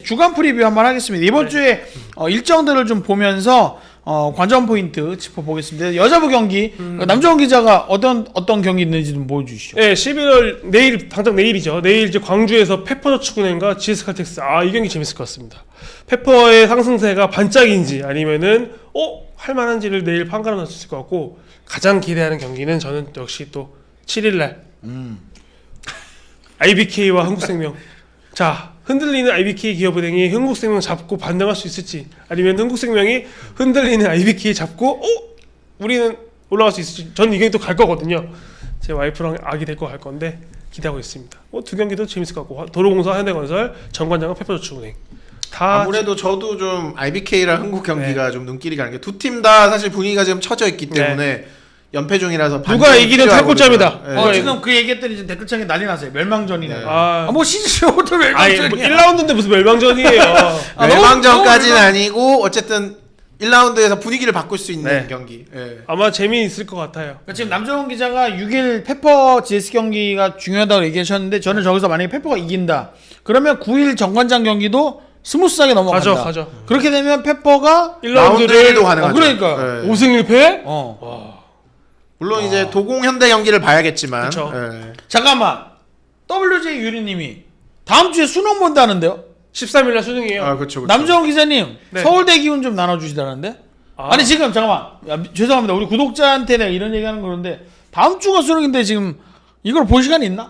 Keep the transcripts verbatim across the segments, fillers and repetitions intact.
주간 프리뷰 한번 하겠습니다. 이번 네. 주에 어, 일정들을 좀 보면서 어, 관전 포인트 짚어보겠습니다. 여자부 경기 음. 남정원 기자가 어떤 어떤 경기 있는지 좀 보여주시죠. 네, 십일월 내일 당장 내일이죠. 내일 이제 광주에서 페퍼저축은행과 지에스칼텍스. 아, 이 경기 재밌을 것 같습니다. 페퍼의 상승세가 반짝인지 아니면은 어 할만한지를 내일 판가름 날 수 있을 것 같고 가장 기대하는 경기는 저는 역시 또 칠일날 음. 아이비케이와 한국생명. 자, 흔들리는 아이비케이 기업은행이 한국생명 잡고 반등할 수 있을지 아니면 한국생명이 흔들리는 아이비케이 잡고 어? 우리는 올라갈 수 있을지. 저는 이 경기 또 갈 거거든요. 제 와이프랑 아기 데리고 갈 건데 기대하고 있습니다. 뭐 두 경기도 재밌을 것 같고 도로공사, 현대건설, 정관장은 페퍼저축은행. 다 아무래도 저도 좀 아이비케이랑 한국 경기가 네. 좀 눈길이 가는 게 두 팀 다 사실 분위기가 지금 처져 있기 때문에 네. 연패 중이라서 누가 이기는 탈골점이다. 네. 어, 지금 그 얘기했더니 지금 댓글창에 난리 났어요. 멸망전이네. 네. 아, 아, 뭐 시즌부터 멸망전이야. 뭐 일 라운드인데 무슨 멸망전이에요. 아, 멸망전까지는 아니고 어쨌든 일 라운드에서 분위기를 바꿀 수 있는 네. 경기. 네. 아마 재미있을 것 같아요. 그러니까 지금 남정원 기자가 육 일 페퍼 지에스 경기가 중요하다고 얘기하셨는데 저는 저기서 만약에 페퍼가 이긴다. 그러면 구 일 정관장 경기도 스무스하게 넘어간다. 가죠, 가죠. 그렇게 되면 페퍼가 일 라운드도 가능하죠. 어, 그러니까 네. 오 승 일 패? 어. 와. 물론 와. 이제 도공 현대 경기를 봐야겠지만. 네. 잠깐만. 더블유제이 유리님이 다음 주에 수능 본다는데요? 십삼일날 수능이에요. 아, 그렇죠. 남정원 기자님, 네. 서울대 기운 좀 나눠주시다는데? 아. 아니 지금 잠깐만. 야, 죄송합니다. 우리 구독자한테 내가 이런 얘기하는 거는데 다음 주가 수능인데 지금 이걸 볼 시간이 있나?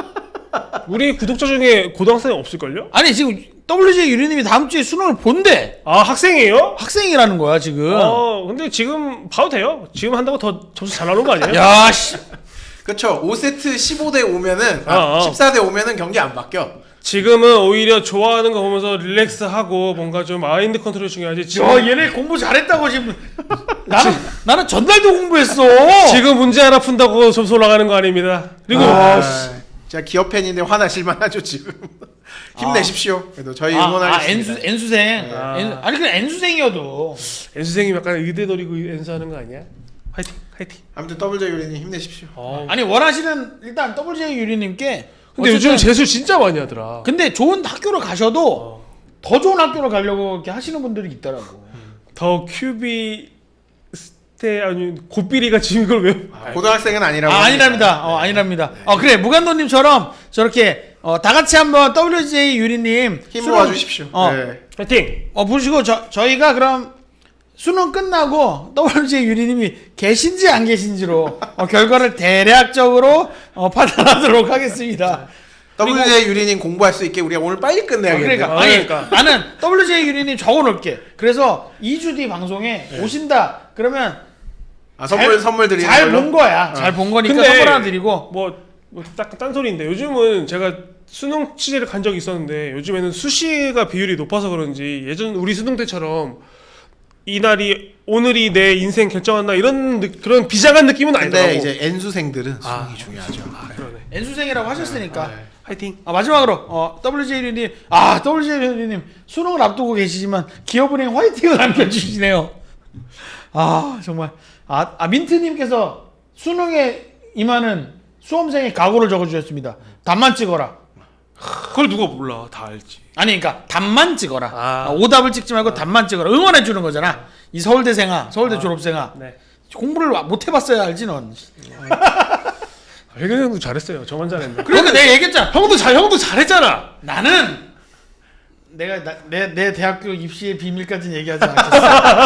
우리 구독자 중에 고등학생이 없을걸요? 아니 지금 더블유제이 유리님이 다음 주에 수능을 본대. 아, 학생이에요? 학생이라는 거야 지금. 어, 근데 지금 봐도 돼요. 지금 한다고 더 점수 잘 나오는 거 아니에요? 야, 씨. 그쵸. 오 세트 십오 대 오면은 아, 어, 어. 십사 대 오면은 경기 안 바뀌어. 지금은 오히려 좋아하는 거 보면서 릴렉스하고 뭔가 좀 마인드 컨트롤 중요하지. 지금 야, 얘네 공부 잘했다고 지금. 나는 나는 전날도 공부했어. 지금 문제 하나 푼다고 점수 올라가는 거 아닙니다. 그리고 아, 제가 기업 팬인데 화나실만 하죠 지금. 힘내십시오. 그래도 저희 응원하겠습니다. 아, N수, N수생. 네. 아. N, 아니 그냥 N수생이어도. N수생이 약간 의대 노리고 N수하는 거 아니야? 화이팅, 화이팅. 아무튼 더블유제이 유리님 힘내십시오. 어. 아니 원하시는 일단 더블유제이 유리님께. 근데 요즘 재수 진짜 많이 하더라. 근데 좋은 학교를 가셔도 어. 더 좋은 학교를 가려고 이렇게 하시는 분들이 있더라고. 음. 더 큐비 스테 아니 고삐리가 지금 이걸 왜? 아, 고등학생은 아니라고. 아, 아니랍니다. 어, 아니랍니다. 네. 어 그래 무간도님처럼 저렇게 어, 다 같이 한번 더블유제이 유리님 힘 모아주십시오. 어, 네. 파이팅. 어 보시고 저 저희가 그럼 수능 끝나고 더블유제이 유리님이 계신지 안 계신지로 어, 결과를 대략적으로 어, 판단하도록 하겠습니다. 더블유제이 유리님 공부할 수 있게 우리가 오늘 빨리 끝내야겠네. 어, 그러니까. 아, 아니, 그러니까. 나는 더블유제이 유리님 적어놓을게. 그래서 이 주 뒤 방송에 네. 오신다. 그러면 아, 선물 잘, 선물 드리는 잘 걸로? 본 거야. 어. 잘 본 거니까 선물 하나 드리고. 뭐뭐딱 딴소리인데 요즘은 제가 수능 취재를 간 적이 있었는데 요즘에는 수시가 비율이 높아서 그런지 예전 우리 수능 때처럼 이날이 오늘이 내 인생 결정한다 이런 느, 그런 비장한 느낌은 아니더라고. 근데 이제 N수생들은 수능이 아, 중요하죠. 아, 그러네. N수생이라고 하셨으니까. 아, 네. 화이팅. 아, 마지막으로 어, 더블유제이 유리님, 아 더블유제이 유리님 수능을 앞두고 계시지만 기업은행 화이팅을 남겨주시네요. 아 정말 아, 아 민트님께서 수능에 임하는 수험생의 각오를 적어주셨습니다. 답만 찍어라. 그걸 누가 몰라? 다 알지. 아니 그러니까 답만 찍어라. 아. 아, 오답을 찍지 말고 아. 답만 찍어라. 응원해 주는 거잖아. 이 서울대생아, 서울대 아. 졸업생아. 네. 공부를 못 해봤어야 알지 넌. 회경 형도 잘했어요. 저만 잘했네. 그러니까 내가 얘기했잖아. 형도 잘 형도 잘했잖아. 나는 내가 내 내 대학교 입시의 비밀까지는 얘기하지 않겠어.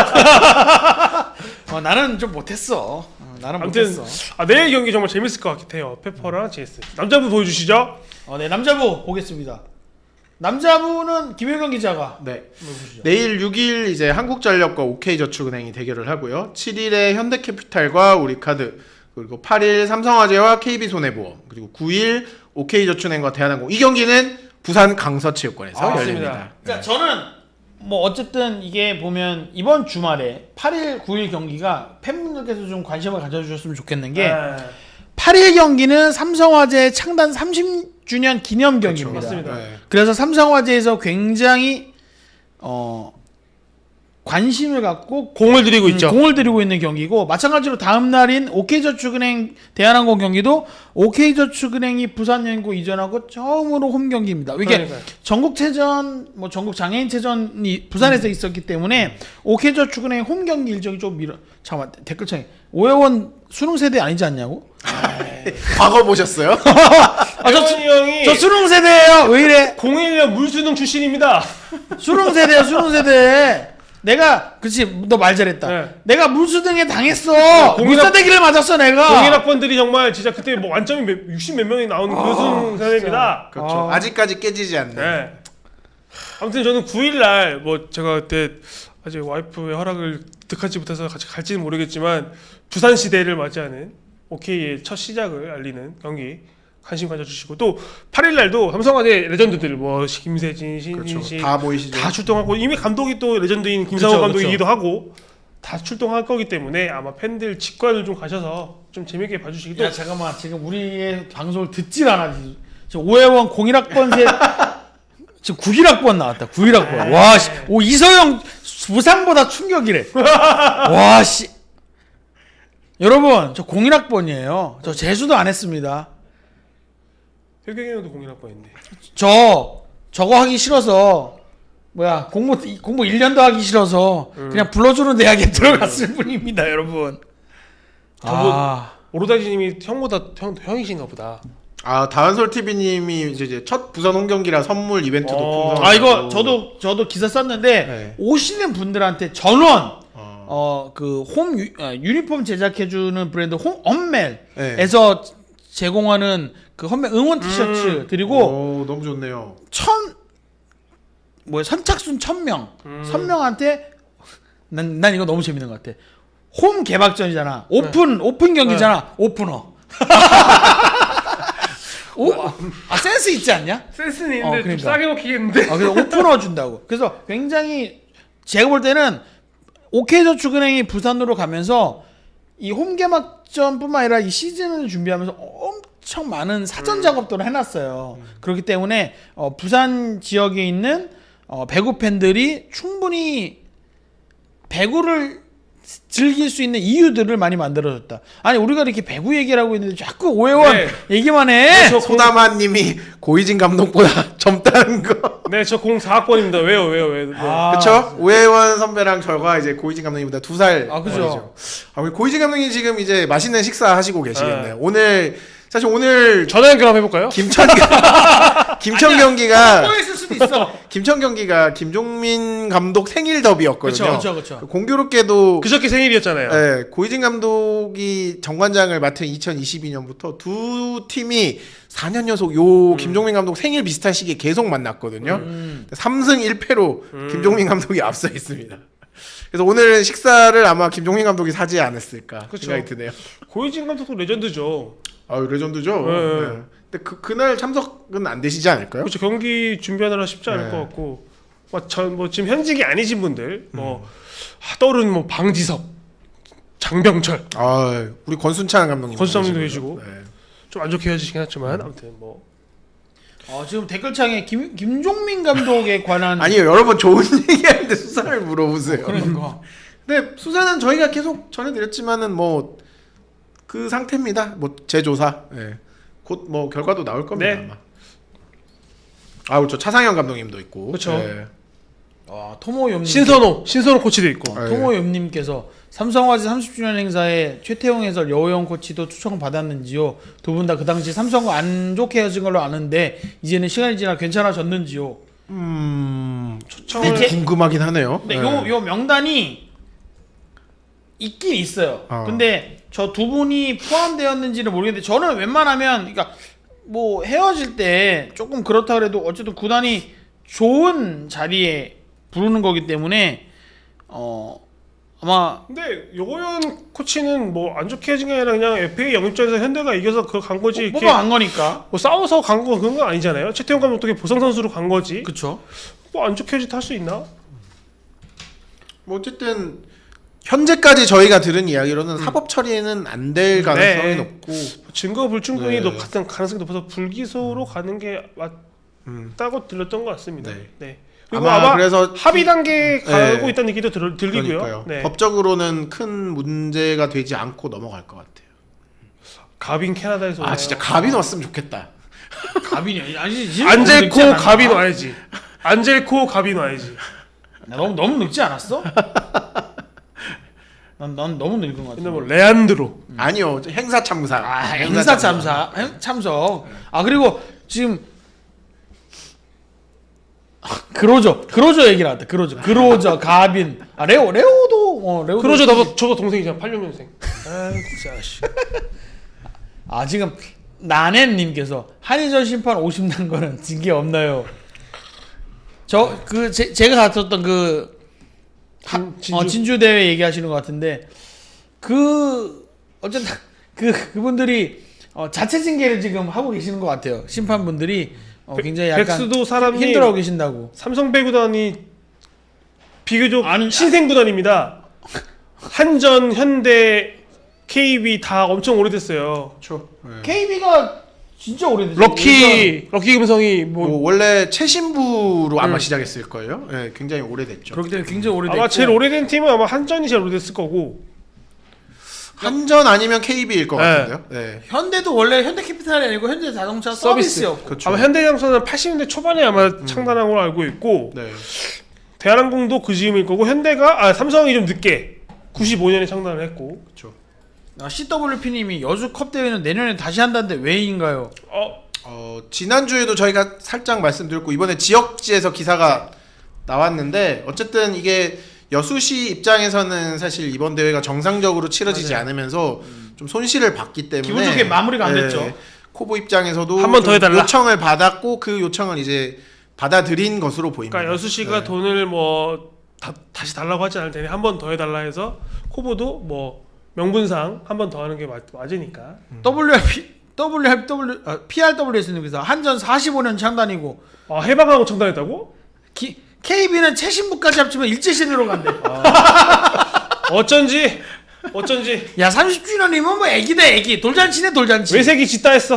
어, 나는 좀 못했어. 어, 나는 아무튼 못했어. 아, 내일 경기 정말 재밌을 것 같아요. 페퍼랑 지에스. 남자분 보여주시죠. 어, 네 남자부 보겠습니다. 남자부는 김효경 기자가 네. 내일 육 일 이제 한국전력과 오케이저축은행이 대결을 하고요. 칠 일에 현대캐피탈과 우리카드, 그리고 팔 일 삼성화재와 케이비손해보험, 그리고 구 일 오케이저축은행과 대한항공. 이 경기는 부산 강서체육관에서 아, 열립니다. 맞습니다. 그러니까 저는 뭐 어쨌든 이게 보면 이번 주말에 팔 일, 구 일 경기가 팬분들께서 좀 관심을 가져주셨으면 좋겠는 게 네. 팔 일 경기는 삼성화재 창단 삼십 주년 기념 경기입니다. 맞습니다. 네. 그래서 삼성화재에서 굉장히 어 관심을 갖고 공을 들이고 음, 있죠. 공을 들이고 있는 경기고 마찬가지로 다음 날인 오케이저축은행 대한항공 경기도 오케이저축은행이 부산연구 이전하고 처음으로 홈 경기입니다. 이게 그러니까요. 전국체전, 뭐 전국 장애인체전이 부산에서 음. 있었기 때문에 오케이저축은행 홈 경기 일정이 좀 미뤄. 잠깐만 댓글창에 오해원 수능 세대 아니지 않냐고? 과거 보셨어요? 아, 저, 혜원이 형이 저 수능 세대예요. 왜 이래? 공일 년 물수능 출신입니다. 수능 세대야 수능 세대. 내가 그렇지 너 말 잘했다. 네. 내가 물수등에 당했어. 공인학- 물사대기를 맞았어 내가. 공인학번들이 정말 진짜 그때 뭐 완점이 육십 몇 명이 나오는 그 수능 세대입니다. 그렇죠. 아. 아직까지 깨지지 않는. 네. 아무튼 저는 구 일 날 뭐 제가 그때 아직 와이프의 허락을 득하지 못해서 같이 갈지는 모르겠지만 부산 시대를 맞이하는 오케이의 첫 시작을 알리는 경기 관심 가져주시고 또 팔 일 날도 삼성화재 레전드들 뭐 김세진, 신진신 그렇죠. 다 보이시죠? 다 출동하고 이미 감독이 또 레전드인 김상호 그쵸, 감독이기도 하고 다 출동할 거기 때문에 아마 팬들 직관을 좀 가셔서 좀 재밌게 봐주시기도. 야 잠깐만 지금 우리의 방송을 듣질 않아. 지금 오해원 공일 학번 세 지금 구일 학번 나왔다. 구일 학번. 와 씨. 오 이서영 부상보다 충격이래. 와 씨. 여러분 저 공일 학번이에요. 저 재수도 안 했습니다. 혜경이 형도 공인학번인데. 저 저거 하기 싫어서 뭐야 공부 공부 일 년도 하기 싫어서 음. 그냥 불러주는 대학에 들어갔을 뿐입니다, 여러분. 저거- 아, 오로다지님이 형보다 형 형이신가 보다. 아 다은솔 티비님이 이제, 이제 첫 부산 홈 경기라 선물 이벤트도 어. 풍성하고. 아 이거 저도 저도 기사 썼는데 네. 오시는 분들한테 전원 어. 어 그 홈 유니폼 제작해주는 브랜드 홈 네. 엄멜에서 제공하는 그 홈멜 응원 티셔츠 음. 드리고 오, 너무 좋네요. 천 뭐야 선착순 천 명 음. 천 명한테 난, 난 이거 너무 재밌는 것 같아. 홈 개막전이잖아. 오픈 오픈 경기잖아. 오프너. 오, 아 센스 있지 않냐? 센스는 어, 있는데 그러니까. 좀 싸게 먹히겠는데. 아, 그래서 오프너 준다고. 그래서 굉장히 제가 볼 때는 오케이저축은행이 부산으로 가면서 이 홈 개막전뿐만 아니라 이 시즌을 준비하면서 엄청 많은 사전 작업들을 해놨어요. 음. 그렇기 때문에 어, 부산 지역에 있는 어, 배구 팬들이 충분히 배구를 즐길 수 있는 이유들을 많이 만들어줬다. 아니 우리가 이렇게 배구 얘기를 하고 있는데 자꾸 오해원 네. 얘기만 해. 저 소나마님이 고이진 감독보다 젊다는 거. 네, 저 공사 학번입니다. 왜요, 왜요, 왜요? 네. 아, 그렇죠? 오해원 선배랑 저가 이제 고이진 감독님보다 두 살. 아, 그죠. 아, 우리 고이진 감독님 지금 이제 맛있는 식사 하시고 계시겠네요. 네. 오늘 사실 오늘 전화 연결 한번 해볼까요? 김천 김천 경기가 뭐 있을 수도 있어. 김천 경기가 김종민 감독 생일 더비였거든요. 그렇죠, 그렇죠. 공교롭게도 그저께 생일이었잖아요. 네, 고이진 감독이 정관장을 맡은 이천이십이 년부터 두 팀이 사 년 연속 요 음. 김종민 감독 생일 비슷한 시기에 계속 만났거든요. 음. 삼 승 일 패로 음. 김종민 감독이 앞서 있습니다. 그래서 오늘 식사를 아마 김종민 감독이 사지 않았을까 그쵸. 생각이 드네요. 고이진 감독도 레전드죠. 아, 레전드죠. 네. 네. 근데 그 그날 참석은 안 되시지 않을까요? 그렇죠. 경기 준비하느라 쉽지 않을 네. 것 같고, 뭐, 전, 뭐 지금 현직이 아니신 분들, 뭐 아, 떠오르는 뭐 방지섭, 장병철, 아, 우리 권순찬 감독님 권순찬 계시고요. 계시고. 네. 좀 안 좋게 헤어지긴 했지만 아무튼 뭐 어, 지금 댓글창에 김, 김종민 감독에 관한 아니요, 여러분 좋은 얘기하는데 수사를 물어보세요. 그러니까 근데 수사는 저희가 계속 전해드렸지만은 뭐 그 상태입니다. 뭐 재조사, 예. 곧 뭐 결과도 나올 겁니다. 네. 아마. 아, 그렇죠. 차상현 감독님도 있고. 그쵸. 예. 와, 토모염님 신선호, 신선호 코치도 있고. 네. 토모염님께서 삼성화재 삼십 주년 행사에 최태용 해설 여호영 코치도 초청 받았는지요? 두 분 다 그 당시 삼성과 안 좋게 헤어진 걸로 아는데 이제는 시간이 지나 괜찮아졌는지요? 음, 초청을 근데 제- 궁금하긴 하네요. 근데 예. 요, 요 명단이 있긴 있어요. 어. 근데 저 두 분이 포함되었는지는 모르겠는데 저는 웬만하면 그러니까 뭐 헤어질 때 조금 그렇다 그래도 어쨌든 구단이 좋은 자리에 부르는 거기 때문에 어 아마 근데 요호연 코치는 뭐 안 좋게 헤어진 게 아니라 그냥 에프에이 영입전에서 현대가 이겨서 그거 간 거지. 이렇게 뽑아간 거니까. 뭐 싸워서 간 거 그런 건 아니잖아요. 최태용 감독이 보상 선수로 간 거지. 그쵸. 뭐 안 좋게 헤어질 수 있나? 뭐 어쨌든 현재까지 저희가 들은 이야기로는 사법 처리는 안 될 가능성이 네. 높고. 증거 불충분이 네. 높 가능성이 높아서 불기소로 가는 게 음. 맞다고 들렸던 것 같습니다. 네. 네. 그리고 아마 아마, 그래서 합의 단계에 가고 네. 있다는 얘기도 들, 들리고요. 그러니까요. 네. 법적으로는 큰 문제가 되지 않고 넘어갈 것 같아요. 가빈 캐나다에서 아 진짜 가빈 왔으면 좋겠다. 가빈이 아니 지금 안젤코 너무 늙지 않았나? 가빈 와야지. 안젤코 가빈 와야지. 너무 너무 늙지 않았어? 난, 난 너무 늙은 것 같아. 근데 뭐 레안드로. 아니요 행사 참사. 아 행사 참사 행- 참석. 아 그리고 지금 아, 그로저 그로저 얘기 나왔다. 그로저 그로저 가빈 아 레오 레오도 어 레오도 그러죠. 나도 저도 동생이잖아. 팔십육 년생. 아 진짜 씨. 아 지금 나넨님께서 한의전 심판 오십 난 거는 징계 없나요? 저 그 제가 갔었던 그 하, 진- 진주. 어, 진주 대회 얘기하시는 것 같은데 그 어쨌든 그 그분들이 어, 자체 징계를 지금 하고 계시는 것 같아요. 심판분들이 어, 굉장히 약간 백수도 사람이 힘들어하고 계신다고. 삼성 배구단이 비교적 아니, 신생 구단입니다. 한전, 현대, 케이비 다 엄청 오래됐어요. 그렇죠. 네. 케이비가 진짜 오래됐죠. 럭키 럭키 금성이 뭐, 뭐 원래 최신부로 아마 음. 시작했을 거예요. 네, 굉장히 오래됐죠. 그렇기 때문에 굉장히 오래됐고. 아마 제일 오래된 팀은 아마 한전이 제일 오래됐을 거고. 한전 아니면 케이비일 것 네. 같은데요. 네. 현대도 원래 현대캐피탈이 아니고 현대자동차 서비스. 서비스였고. 그렇죠. 아마 현대자동차는 팔십 년대 초반에 아마 창단한 걸로 알고 있고 네. 대한항공도 그 즈음일 거고 현대가 아 삼성이 좀 늦게 구십오 년에 창단을 했고. 그렇죠. 아, 씨더블유피님이 여주컵 대회는 내년에 다시 한다는데 왜인가요? 어 어, 지난주에도 저희가 살짝 말씀드렸고 이번에 지역지에서 기사가 나왔는데 어쨌든 이게 여수시 입장에서는 사실 이번 대회가 정상적으로 치러지지 맞아요. 않으면서 좀 손실을 봤기 때문에 기분 좋게 마무리가 안 네, 됐죠. 코보 입장에서도 한번더 좀 해달라. 요청을 받았고 그 요청을 이제 받아들인 것으로 보입니다. 그러니까 여수시가 네. 돈을 뭐 다, 다시 달라고 하지 않을 테니 한 번 더 해달라 해서 코보도 뭐 명분상 한 번 더 하는 게 맞, 맞으니까. 더블유알피 더블유알피 W 아, 피알더블유에스님께서 한전 사십오 년 창단이고 아 해방하고 창단했다고? 기, 케이비는 최신부까지 합치면 일제시대로 간대. 어쩐지 어쩐지 야 삼십 주년이면 뭐 애기다 애기. 돌잔치네 돌잔치. 외색이 짙다 했어.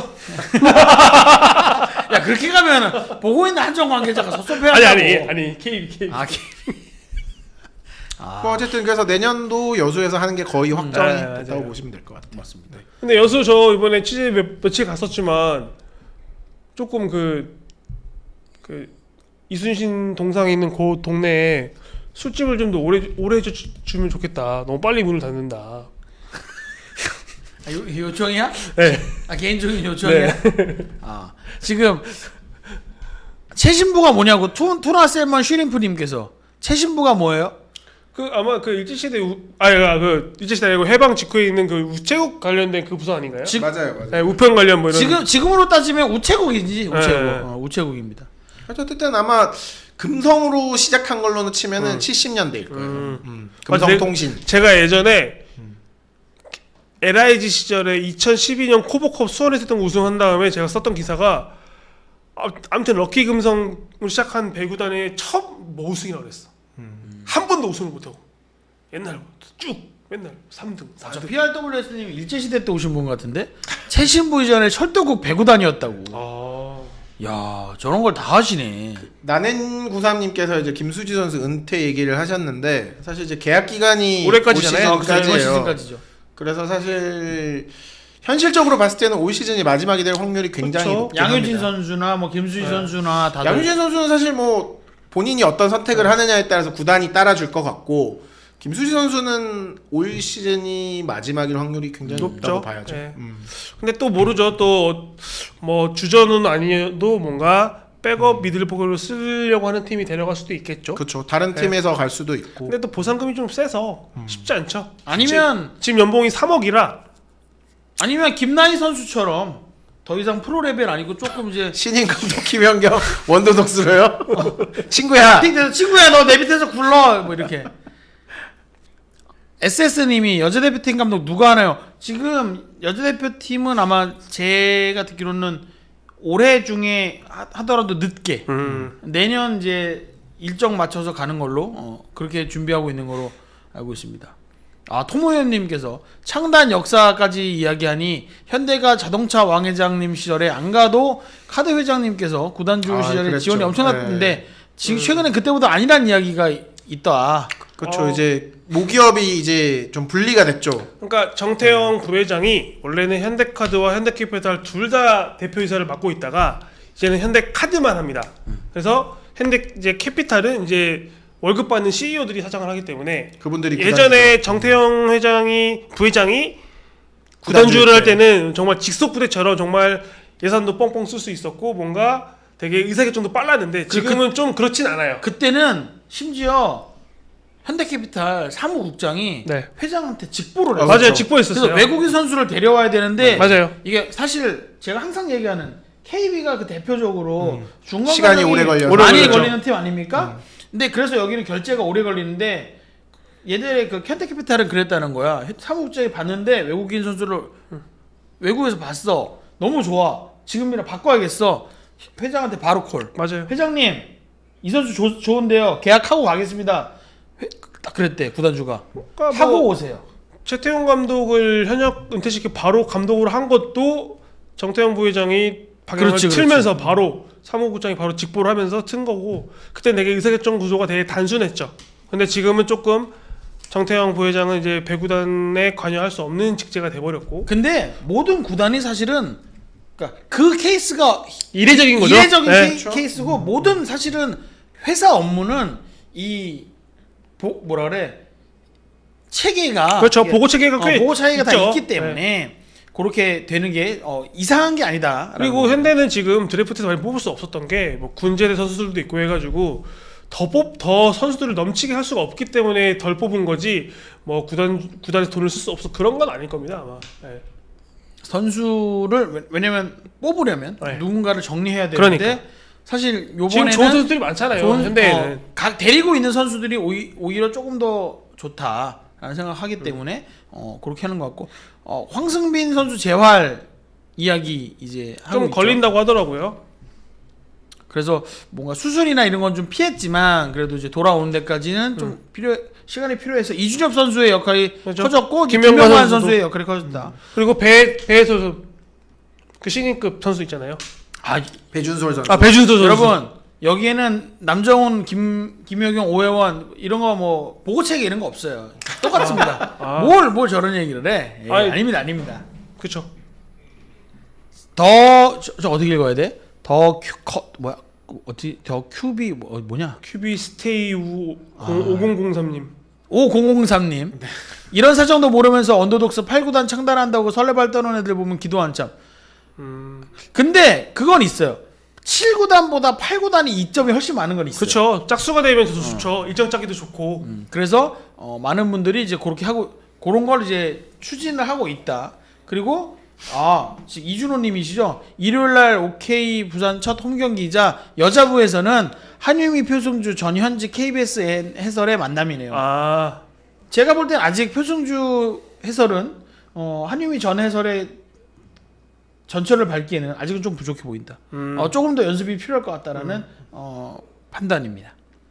야 그렇게 가면 보고 있는 한전 관계자가 섭섭해한다고. 아니 아니 아니 케이비 케이비. 아 케이비. 아 뭐 어쨌든 그래서 내년도 여수에서 하는 게 거의 확정이 네, 됐다고 맞아요. 보시면 될 것 같아요. 맞습니다. 근데 여수 저 이번에 취재 몇, 며칠 갔었지만 조금 그, 그 이순신 동상에 있는 그 동네에 술집을 좀 더 오래 오래 주, 주면 좋겠다. 너무 빨리 문을 닫는다. 아, 요, 요청이야? 네. 아 개인적인 요청이야? 아 지금 최신부가 뭐냐고 투, 투나 셀먼 슈림프님께서 최신부가 뭐예요? 그 아마 그 일제시대 우, 아니 그 일제시대 아니고 해방 직후에 있는 그 우체국 관련된 그 부서 아닌가요? 지, 맞아요, 맞아요. 네, 우편 관련 뭐 이런. 지금 지금으로 따지면 우체국이지 우체국. 네. 어, 우체국입니다. 어쨌든 아마 금성으로 시작한 걸로는 치면은 음. 칠십 년대일 거예요. 음. 음. 맞아, 금성통신. 제가 예전에 엘아이지 시절에 이천십이 년 코보컵 수원에서 했던 거 우승한 다음에 제가 썼던 기사가 아, 아무튼 럭키 금성으로 시작한 배구단의 첫 뭐 우승이라고 그랬어. 한 번도 우승을 못하고 옛날부터 쭉 맨날 삼 등, 사 저 등. 피알더블유에스님 일제시대 때 오신 분 같은데 최신부 이전에 철도국 배구단이었다고. 아, 야 저런 걸 다 하시네. 나넨구삼님께서 이제 김수지 선수 은퇴 얘기를 하셨는데 사실 이제 계약 기간이 올해까지잖아요. 올 아, 그래서 이번 시즌까지예요. 시즌까지죠. 그래서 사실 현실적으로 봤을 때는 올 시즌이 마지막이 될 확률이 굉장히 그쵸. 높긴 양효진 합니다. 선수나 뭐 김수지 네. 선수나 다들 양효진 선수는 사실 뭐 본인이 어떤 선택을 하느냐에 따라서 구단이 따라줄 것 같고 김수지 선수는 올 시즌이 마지막일 확률이 굉장히 높죠. 높다고 봐야죠. 네. 음. 근데 또 모르죠. 또 뭐 주전은 아니어도 뭔가 백업 미들포크로 쓰려고 하는 팀이 데려갈 수도 있겠죠. 그렇죠. 다른 네. 팀에서 갈 수도 있고. 근데 또 보상금이 좀 세서 쉽지 않죠. 아니면 지, 지금 연봉이 삼억이라 아니면 김나희 선수처럼 더 이상 프로 레벨 아니고 조금 이제 신인 감독 김연경 원도 독수로요? 친구야. 팀에서 친구야 너 내 밑에서 굴러 뭐 이렇게. 에스에스님이 여자대표팀 감독 누가 하나요? 지금 여자대표팀은 아마 제가 듣기로는 올해 중에 하, 하더라도 늦게 음. 내년 이제 일정 맞춰서 가는 걸로 어, 그렇게 준비하고 있는 걸로 알고 있습니다. 아 토모현님께서 창단 역사까지 이야기하니 현대가 자동차 왕회장님 시절에 안 가도 카드 회장님께서 구단주 아, 시절에 그랬죠. 지원이 엄청났는데 네. 지금 최근에 그때보다 아니란 이야기가 있다. 그렇죠. 어. 이제 모기업이 이제 좀 분리가 됐죠. 그러니까 정태영 부회장이 원래는 현대카드와 현대캐피탈 둘 다 대표이사를 맡고 있다가 이제는 현대카드만 합니다. 그래서 현대 이제 캐피탈은 이제 월급 받는 씨이오들이 사장을 하기 때문에 그분들이 예전에 정태영 회장이 부회장이 구단주를 할 때는 정말 직속 부대처럼 정말 예산도 뻥뻥 쓸 수 있었고 뭔가 되게 의사결정도 빨랐는데 지금은 좀 그렇진 않아요. 그때는 심지어 현대캐피탈 사무국장이 네. 회장한테 직보를 아, 했어요. 맞아요. 그렇죠. 직보했었어요. 그래서 외국인 선수를 데려와야 되는데 맞아요. 이게 사실 제가 항상 얘기하는 케이비가 그 대표적으로 음. 중간 시간이 과정이 오래 걸려서. 오래 많이 걸렸죠. 걸리는 팀 아닙니까? 근데 그래서 여기는 결제가 오래 걸리는데 얘들의 그 현대캐피탈은 그랬다는 거야. 사무국장이 봤는데 외국인 선수를 외국에서 봤어. 너무 좋아. 지금이라 바꿔야겠어. 회장한테 바로 콜. 맞아요. 회장님 이 선수 조, 좋은데요. 계약하고 가겠습니다. 회, 딱 그랬대 구단주가. 그러니까 하고 뭐 오세요. 최태용 감독을 현역 은퇴시키 바로 감독으로 한 것도 정태영 부회장이 방향을 그렇지, 틀면서 바로 사무국장이 바로 직보를 하면서 튼 거고 그때 되게 의사결정 구조가 되게 단순했죠. 근데 지금은 조금 정태영 부회장은 이제 배구단에 관여할 수 없는 직제가 돼버렸고 근데 모든 구단이 사실은 그러니까 그 케이스가 이례적인 거죠. 이례적인 네. 케이, 케이스고 모든 사실은 회사 업무는 이 보, 뭐라 그래 체계가 그렇죠. 이게- 보고 체계가 꽤 어, 보고 차이가 다 있죠. 있기 때문에 그렇게 되는 게 어, 이상한 게 아니다. 그리고 현대는 지금 드래프트에서 많이 뽑을 수 없었던 게 뭐 군제대 선수들도 있고 해가지고 더 뽑 더 선수들을 넘치게 할 수가 없기 때문에 덜 뽑은 거지 뭐 구단 구단에서 돈을 쓸 수 없어 그런 건 아닐 겁니다 아마. 네. 선수를 왜- 왜냐면 뽑으려면 네. 누군가를 정리해야 되는데 그러니까. 사실 지금 요번에는 좋은 선수들이 많잖아요. 좋은- 현대에는. 어, 각 데리고 있는 선수들이 오히, 오히려 조금 더 좋다라는 생각하기 때문에 어, 그렇게 하는 것 같고 어, 황승빈 선수 재활 이야기 이제 하고 좀 있죠. 걸린다고 하더라고요. 그래서 뭔가 수술이나 이런 건 좀 피했지만 그래도 이제 돌아오는 데까지는 좀 음. 필요 시간이 필요해서 이준엽 선수의 역할이 그렇죠. 커졌고 김명관 김명관 선수도. 선수의 역할이 커졌다. 그리고 배 배에서 그 신인급 선수 있잖아요. 아 배준솔 선수. 아 배준서 선수. 여러분 여기에는 남정훈, 김 김효경, 오해원 이런 거 뭐 보고체계 이런 거 없어요. 똑같습니다. 아. 뭘 뭘 저런 얘기를 해? 예, 아니, 아닙니다, 아닙니다. 그렇죠. 더 저 어떻게 읽어야 돼? 더 큐컷 뭐야? 어떻게 더 큐비 뭐, 뭐냐? 큐비 스테이 우 아. 오공공삼님. 오공공삼님 이런 사정도 모르면서 언더독스 팔 구단 창단한다고 설레발 떠는 애들 보면 기도 한참. 음. 근데 그건 있어요. 칠 구단보다 팔 구단이 이점이 훨씬 많은 건 있어요. 그렇죠. 짝수가 되면 더 좋죠. 일정 짜기도 좋고. 음, 그래서 어, 많은 분들이 이제 그렇게 하고 그런 걸 이제 추진을 하고 있다. 그리고 아 지금 이준호님이시죠. 일요일날 오케이 부산 첫 홈 경기이자 여자부에서는 한유미, 표승주, 전현직 케이비에스 해설의 만남이네요. 아. 제가 볼 땐 아직 표승주 해설은 어, 한유미 전 해설의 전철을 밟기에는 아직은 좀 부족해 보인다. 음. 어, 조금 더 연습이 필요할 것 같다라는 어, 판단입니다.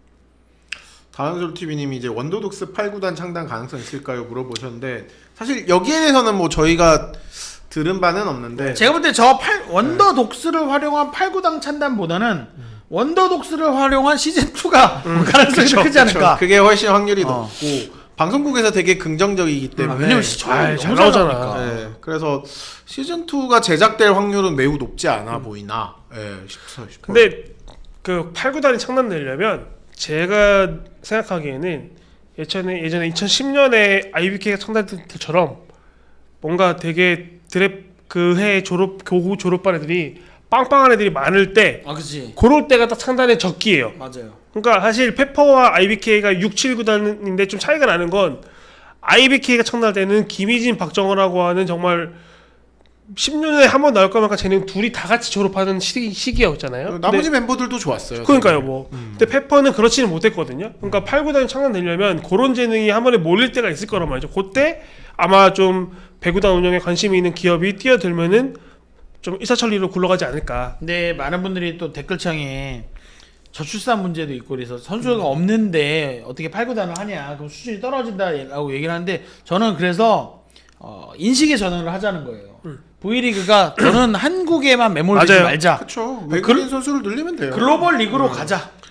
다은솔 티비님이 이제 원더독스 팔 구단 창단 가능성 있을까요? 물어보셨는데 사실 여기에 대해서는 뭐 저희가 들은 바는 없는데 제가 볼 때 저 원더 독스를 활용한 팔 구단 찬단보다는 원더 독스를 활용한 시즌 이가 가능성이 더 크지 않을까. 그쵸. 그게 훨씬 확률이 어. 높고 방송국에서 되게 긍정적이기 아, 때문에 왜냐면 시청률이 아이, 너무 잘 잘 나오잖아. 나오니까. 네, 그래서 시즌 이가 제작될 확률은 매우 높지 않아 보이나 예, 싶어요. 싶어요. 근데 그 팔 구단이 창단되려면 제가 생각하기에는 예전에 예전에 이천십 년에 아이비케이가 창단될 때처럼 뭔가 되게 드랩 그 해 졸업 교구 졸업반 애들이 빵빵한 애들이 많을 때 아, 그렇지. 그럴 때가 딱 창단의 적기예요. 맞아요. 그러니까 사실 페퍼와 아이비케이가 육, 칠 구단인데 좀 차이가 나는 건 아이비케이가 창단할 때는 김희진, 박정호라고 하는 정말 십 년에 한 번 나올 거면 쟤는 둘이 다 같이 졸업하는 시기, 시기였잖아요. 나머지 근데, 멤버들도 좋았어요. 그러니까요, 되게. 뭐. 근데 페퍼는 그렇지는 못했거든요. 그러니까 팔 구단이 창단되려면 그런 재능이 한 번에 몰릴 때가 있을 거란 말이죠. 그때 아마 좀 배구단 운영에 관심이 있는 기업이 뛰어들면은 좀 일사천리로 굴러가지 않을까. 근데 많은 분들이 또 댓글창에 저출산 문제도 있고 그래서 선수가 없는데 어떻게 팔 구단을 하냐 그럼 수준이 떨어진다라고 얘기를 하는데 저는 그래서 어, 인식의 전환을 하자는 거예요. 음. V리그가 저는 한국에만 매몰되지 맞아요. 말자. 그렇죠. 외국인 선수를 늘리면 돼요. 글로벌 리그로 가자.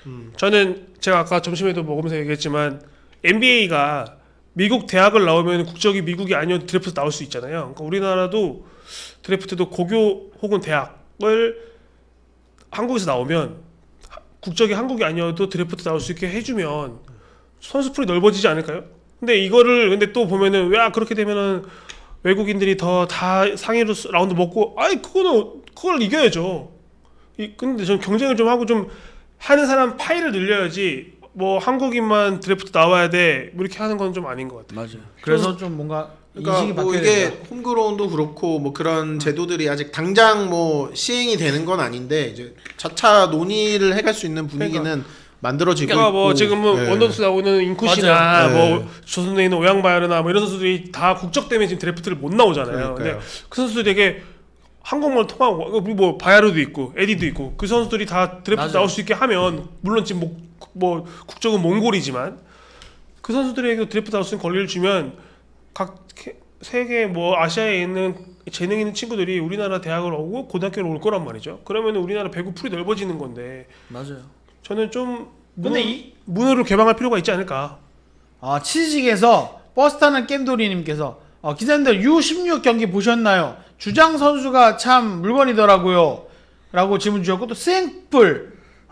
음. 저는 제가 아까 점심에도 먹으면서 얘기했지만 엔비에이가 미국 대학을 나오면 국적이 미국이 아니어도 드래프트 나올 수 있잖아요. 그러니까 우리나라도 드래프트도 고교 혹은 대학을 한국에서 나오면 국적이 한국이 아니어도 드래프트 나올 수 있게 해주면 선수풀이 넓어지지 않을까요? 근데 이거를 근데 또 보면은 왜 그렇게 되면은 외국인들이 더 다 상위로 라운드 먹고 아이 그거는 그걸 이겨야죠. 이 근데 전 경쟁을 좀 하고 좀 하는 사람 파이를 늘려야지 뭐 한국인만 드래프트 나와야 돼 뭐 이렇게 하는 건 좀 아닌 것 같아요. 맞아요. 그래서 좀 뭔가 그러니까 인식이 뭐 바뀌어야 이게 된다. 홈그라운도 그렇고 뭐 그런 제도들이 아직 당장 뭐 시행이 되는 건 아닌데 이제 차차 논의를 해갈 수 있는 분위기는 만들어지고 그러니까 뭐 있고. 지금은 네. 원더스 나오는 인쿠시나 맞아요. 뭐 네. 조선에 있는 오양바이어나 뭐 이런 선수들이 다 국적 때문에 지금 드래프트를 못 나오잖아요. 그러니까요. 근데 그 선수들이 되게 한국말 통하고 뭐 바야르도 있고 에디도 있고 그 선수들이 다 드래프트 맞아요. 나올 수 있게 하면 물론 지금 뭐, 뭐 국적은 몽골이지만 그 선수들에게 드래프트 나올 수 있는 권리를 주면 각 세계 뭐 아시아에 있는 재능 있는 친구들이 우리나라 대학을 오고 고등학교를 올 거란 말이죠. 그러면 우리나라 배구 풀이 넓어지는 건데 맞아요. 저는 좀 문호, 근데 이 문호를 개방할 필요가 있지 않을까. 아, 치즈직에서 버스 타는 겜돌이님께서 어, 기자님들 유 십육 경기 보셨나요? 주장 선수가 참 물건이더라고요. 라고 질문 주셨고 또 스행뿔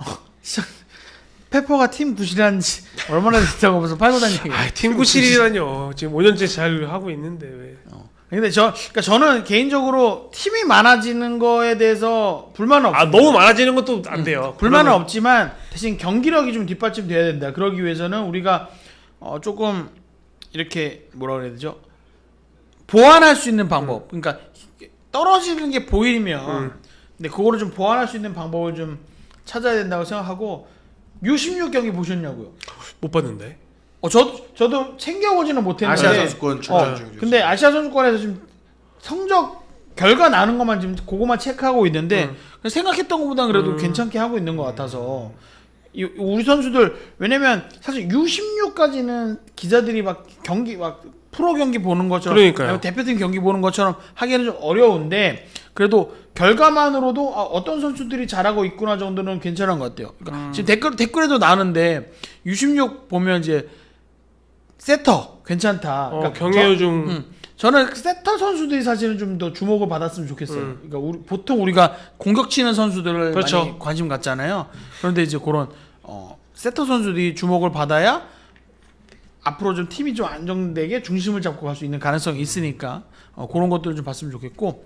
페퍼가 팀 구실한 지 얼마나 됐다고 벌써 팔고 다니고. 아, 팀 구실이라뇨. 지금 오 년째 잘 하고 있는데 왜. 어. 근데 저 그러니까 저는 개인적으로 팀이 많아지는 거에 대해서 불만은 없어요. 아, 너무 많아지는 것도 안 돼요. 불만은 그러면- 없지만 대신 경기력이 좀 뒷받침돼야 된다. 그러기 위해서는 우리가 어 조금 이렇게 뭐라 그래야 되죠? 보완할 수 있는 방법. 그러니까 떨어지는 게 보이면 음. 근데 그거를 좀 보완할 수 있는 방법을 좀 찾아야 된다고 생각하고 유 십육 경기 보셨냐고요? 못 봤는데. 어, 저도 저도 챙겨보지는 못했는데 아시아 선수권 출전 어, 중이죠. 근데 아시아 선수권에서 지금 성적 결과 나는 것만 지금 그거만 체크하고 있는데 음. 생각했던 것보다 그래도 음. 괜찮게 하고 있는 것 같아서 이, 우리 선수들 왜냐면 사실 유 십육까지는 기자들이 막 경기 막 프로 경기 보는 것처럼 그러니까요. 아니면 대표팀 경기 보는 것처럼 하기는 좀 어려운데 그래도 결과만으로도 아, 어떤 선수들이 잘하고 있구나 정도는 괜찮은 것 같아요. 그러니까 음. 지금 댓글 댓글에도 나는데 유 십육 보면 이제 세터 괜찮다. 어, 그러니까 경혜유 저- 중 음, 저는 세터 선수들이 사실은 좀 더 주목을 받았으면 좋겠어요. 음. 그러니까 우리, 보통 우리가 공격 치는 선수들을 그렇죠. 많이 관심 갖잖아요. 그런데 이제 그런 어, 세터 선수들이 주목을 받아야 앞으로 좀 팀이 좀 안정되게 중심을 잡고 갈 수 있는 가능성이 있으니까 어, 그런 것들을 좀 봤으면 좋겠고.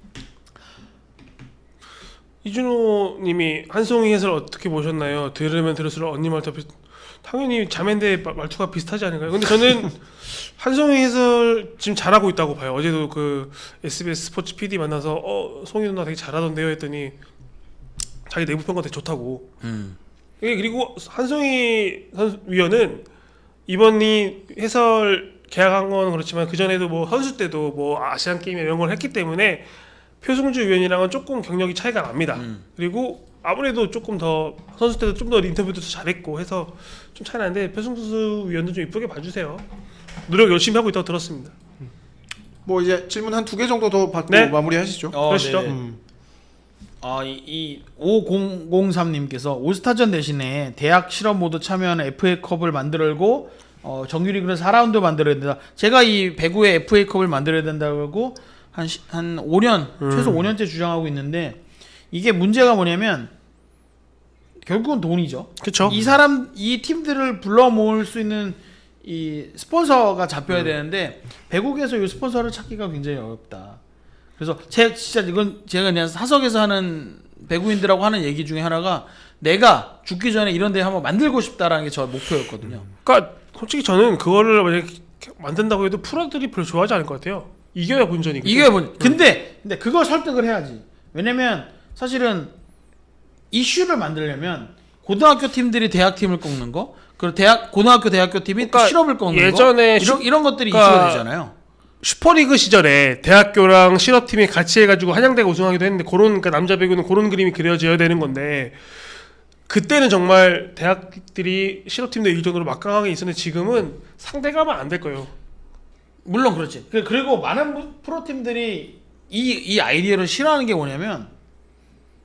이준호 님이 한송이 해설 어떻게 보셨나요? 들으면 들을수록 언니 말투 비슷... 당연히 자매인데 마- 말투가 비슷하지 않을까요? 근데 저는 한송이 해설 지금 잘하고 있다고 봐요. 어제도 그 에스비에스 스포츠 피디 만나서 어 송이 누나 되게 잘하던데요 했더니 자기 내부 평가 되게 좋다고. 예, 그리고 한송이 선수 위원은 이번이 해설 계약한 건 그렇지만 그 전에도 뭐 선수 때도 뭐 아시안 게임 이런 걸 했기 때문에 표승주 위원이랑은 조금 경력이 차이가 납니다. 음. 그리고 아무래도 조금 더 선수 때도 좀 더 인터뷰도 잘했고 해서 좀 차이 나는데 표승주 위원도 좀 이쁘게 봐주세요. 노력 열심히 하고 있다고 들었습니다. 뭐 이제 질문 한 두 개 정도 더 받고 네. 마무리하시죠. 어, 그러시죠. 네네. 음. 아, 이, 이 오공공삼님께서 올스타전 대신에 대학 실업 모두 참여하는 에프에이컵을 만들고 어, 정규리그는 사 라운드 만들어야 된다. 제가 이 배구의 에프에이컵을 만들어야 된다고 한, 시, 한 오 년, 음. 최소 오 년째 주장하고 있는데 이게 문제가 뭐냐면 결국은 돈이죠. 그렇죠. 이 사람, 이 팀들을 불러 모을 수 있는 이 스폰서가 잡혀야 되는데 배구에서 이 스폰서를 찾기가 굉장히 어렵다. 그래서 제 진짜 이건 제가 그냥 사석에서 하는 배구인들하고 하는 얘기 중에 하나가 내가 죽기 전에 이런 데 한번 만들고 싶다라는 게 저 목표였거든요. 그러니까 솔직히 저는 그거를 만약에 만든다고 해도 프로들이 별로 좋아하지 않을 것 같아요. 이겨야 본전이고. 이게 뭐 근데 근데 그걸 설득을 해야지. 왜냐면 사실은 이슈를 만들려면 고등학교 팀들이 대학 팀을 꺾는 거, 그리고 대학 고등학교 대학교 팀이 또 그러니까 실업을 꺾는 예전에 거, 이런 슈- 이런 것들이 그러니까 이슈가 되잖아요. 슈퍼리그 시절에 대학교랑 실업팀이 같이 해가지고 한양대가 우승하기도 했는데 그런 그러니까 남자 배구는 그런 그림이 그려져야 되는 건데 그때는 정말 대학들이 실업팀도 이길 정도로 막강하게 있었는데 지금은 상대가 안 될 거예요. 물론 그렇지. 그- 그리고 많은 프로 팀들이 이 이 아이디어를 싫어하는 게 뭐냐면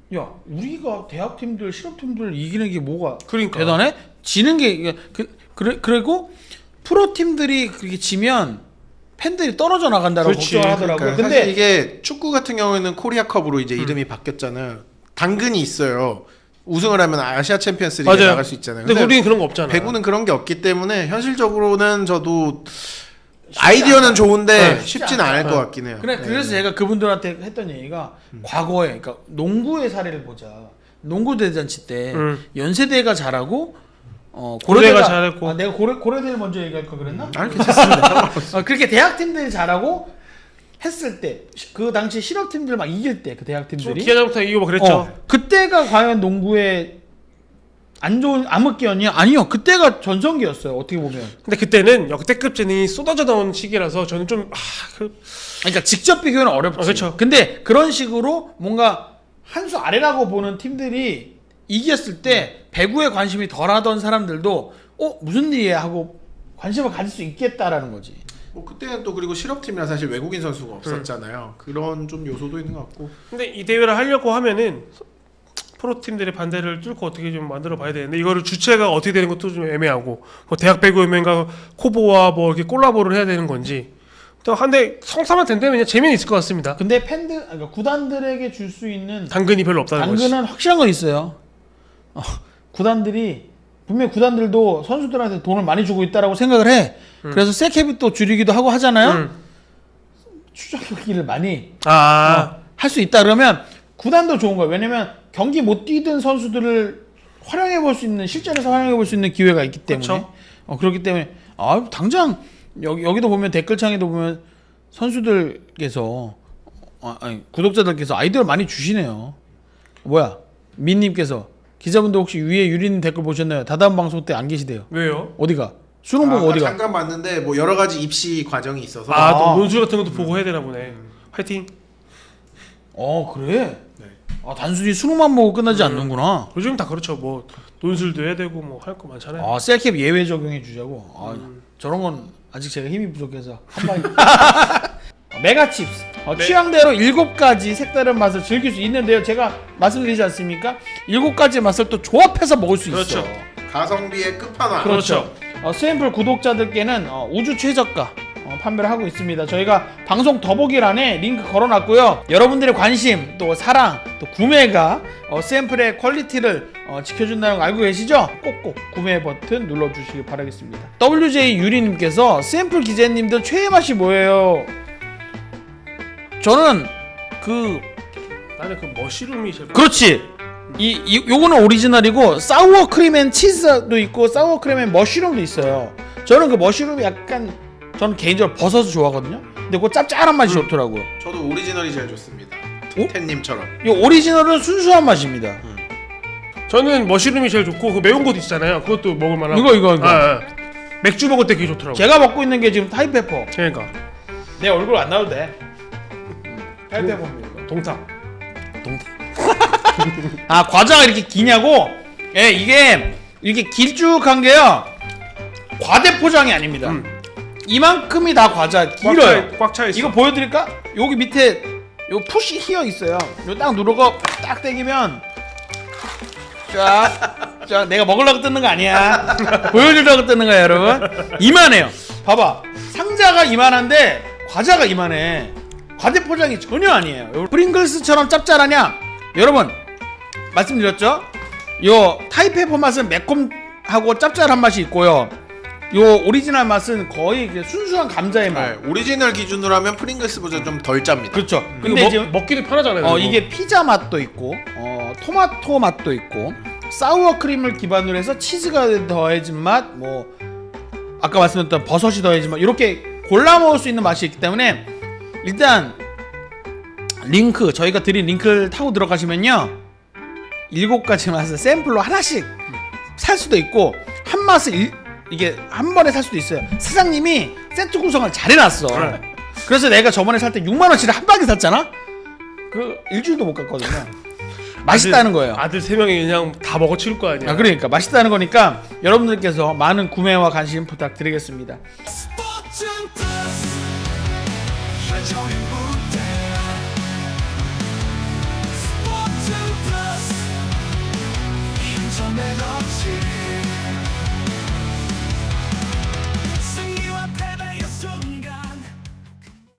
야 우리가 대학 팀들 실업 팀들 이기는 게 뭐가 그러니까. 대단해? 지는 게 이게 그 그래 그리고 프로 팀들이 그렇게 지면 팬들이 떨어져 나간다고 그렇지. 걱정하더라고요. 그러니까 근데 사실 이게 축구 같은 경우에는 코리아컵으로 이제 음. 이름이 바뀌었잖아요. 당근이 있어요. 우승을 하면 아시아 챔피언스리그에 맞아요. 나갈 수 있잖아요. 근데 우리는 그런 거 없잖아. 배구는 그런 게 없기 때문에 현실적으로는 저도 아이디어는 좋은데 네, 쉽지 쉽지는 않을 않아요. 것 같긴 해요. 그래 네. 그래서 제가 그분들한테 했던 얘기가 과거에 그러니까 농구의 사례를 보자. 농구 대잔치 때 음. 연세대가 잘하고 어 고려대가 고려대가 잘했고. 아, 내가 고려 고려대를 먼저 얘기할 거 그랬나? 아, 괜찮습니다. 어, 그렇게 대학 팀들이 잘하고 했을 때 그 당시 실업 팀들 막 이길 때 그 대학 팀들이 기아장부터 이기고 뭐 그랬죠. 어, 그때가 과연 농구의 안 좋은 암흑기였냐? 아니요. 그때가 전성기였어요. 어떻게 보면. 근데 그때는 역대급 재능이 쏟아져 나온 시기라서 저는 좀 아, 그, 그러니까 직접 비교는 어렵지. 어, 그쵸. 근데 그런 식으로 뭔가 한 수 아래라고 보는 팀들이 이겼을 때 배구에 관심이 덜하던 사람들도 어 무슨 일이야 하고 관심을 가질 수 있겠다라는 거지. 뭐 그때는 또 그리고 실업팀이라 사실 외국인 선수가 없었잖아요. 그런 좀 요소도 있는 것 같고. 근데 이 대회를 하려고 하면은 프로 팀들의 반대를 뚫고 어떻게 좀 만들어 봐야 되는데 이거를 주체가 어떻게 되는 것도 좀 애매하고 뭐 대학 배구연맹과 코보와 뭐 이렇게 콜라보를 해야 되는 건지 또 한데 성사만 된다면 그냥 재미는 있을 것 같습니다. 근데 팬들 그러니까 구단들에게 줄 수 있는 당근이 별로 없다는 거지. 당근은 확실한 건 있어요. 어, 구단들이 분명 구단들도 선수들한테 돈을 많이 주고 있다라고 생각을 해. 음. 그래서 세캡이 또 줄이기도 하고 하잖아요. 음. 추적 경기를 많이 아, 할 수 있다 그러면 구단도 좋은 거예요. 왜냐면 경기 못 뛰던 선수들을 활용해 볼 수 있는 실전에서 활용해 볼 수 있는 기회가 있기 때문에 그쵸. 어, 그렇기 때문에 아 당장 여기 여기도 보면 댓글창에도 보면 선수들께서 아, 아니 구독자들께서 아이디어를 많이 주시네요. 뭐야 민님께서 기자분들 혹시 위에 유리님 댓글 보셨나요? 다다음 방송 때 안 계시대요. 왜요? 어디가? 수능 보고 아까 어디가? 잠깐 봤는데 뭐 여러 가지 입시 과정이 있어서 아, 아. 또 논술 같은 것도 보고 해야 되나 보네. 화이팅. 어 그래? 네. 아 단순히 수능만 보고 끝나지 않는구나. 요즘 다 그렇죠. 뭐 논술도 해야 되고 뭐 할 거 많잖아요. 아 셀캡 예외 적용해 주자고. 아, 저런 건 아직 제가 힘이 부족해서 한 방에. 메가칩스 어, 네. 취향대로 일곱 가지 색다른 맛을 즐길 수 있는데요. 제가 말씀드리지 않습니까? 일곱 가지 맛을 또 조합해서 먹을 수 그렇죠. 있어. 가성비의 끝판왕. 그렇죠. 어, 스앰플 구독자들께는 어, 우주 최저가 어, 판매를 하고 있습니다. 저희가 방송 더보기란에 링크 걸어놨고요. 여러분들의 관심, 또 사랑, 또 구매가 어, 스앰플의 퀄리티를 어, 지켜준다는 거 알고 계시죠? 꼭꼭 구매 버튼 눌러주시기 바라겠습니다. 더블유제이 유리님께서 스앰플 기자님들 최애 맛이 뭐예요? 저는 그 나는 그 머시룸이 제일 그렇지. 이, 이 요거는 오리지널이고 사우어 크림 앤 치즈도 있고 사우어 크림 앤 머쉬룸도 있어요. 저는 그 머쉬룸이 약간 저는 개인적으로 버섯을 좋아하거든요. 근데 그 짭짤한 맛이 음. 좋더라고요. 저도 오리지널이 제일 좋습니다. 오? 텐님처럼. 이 오리지널은 순수한 맛입니다. 저는 머시룸이 제일 좋고 그 매운 것도 있잖아요. 그것도 먹을 만하고. 이거 이거 이거. 아, 아. 맥주 먹을 때 그게 좋더라고. 제가 먹고 있는 게 지금 타이페퍼. 그러니까 내 얼굴 안 나와도 돼. 타이페퍼입니다. 동탁. 아 과자가 이렇게 기냐고? 예 이게 이렇게 길쭉한 게요 과대 포장이 아닙니다. 음. 이만큼이 다 과자 길어요. 꽉 차 있어. 이거 보여드릴까? 여기 밑에 요 푸시 히어 있어요. 요 딱 누르고 딱 당기면 쫙, 쫙 내가 먹으려고 뜯는 거 아니야. 보여주려고 뜯는 거야 여러분. 이만해요. 봐봐 상자가 이만한데 과자가 이만해. 과대 포장이 전혀 아니에요. 요 프링글스처럼 짭짤하냐? 여러분 말씀드렸죠? 요 타이페퍼 맛은 매콤하고 짭짤한 맛이 있고요. 요 오리지널 맛은 거의 그 순수한 감자의 맛. 네, 오리지널 기준으로 하면 프링글스보다 좀 덜 짭니다. 그렇죠. 근데 근데 먹, 이제 먹기도 편하잖아요. 어 그리고. 이게 피자 맛도 있고 어 토마토 맛도 있고 사우어 크림을 기반으로 해서 치즈가 더해진 맛, 뭐 아까 말씀드렸던 버섯이 더해진 맛 이렇게 골라 먹을 수 있는 맛이 있기 때문에 일단 링크 저희가 드린 링크를 타고 들어가시면요 일곱 가지 맛을 샘플로 하나씩 살 수도 있고 한 맛을 일, 이게 한 번에 살 수도 있어요. 사장님이 세트 구성을 잘 해놨어. 네. 그래서 내가 저번에 살 때 육만 원치를 한 방에 샀잖아. 그 일주일도 못 갔거든요. 맛있다는 거예요. 아들 세 명이 그냥 다 먹어 치울 거 아니야. 아, 그러니까 맛있다는 거니까 여러분들께서 많은 구매와 관심 부탁드리겠습니다. 스포츠 플러스 최종의 무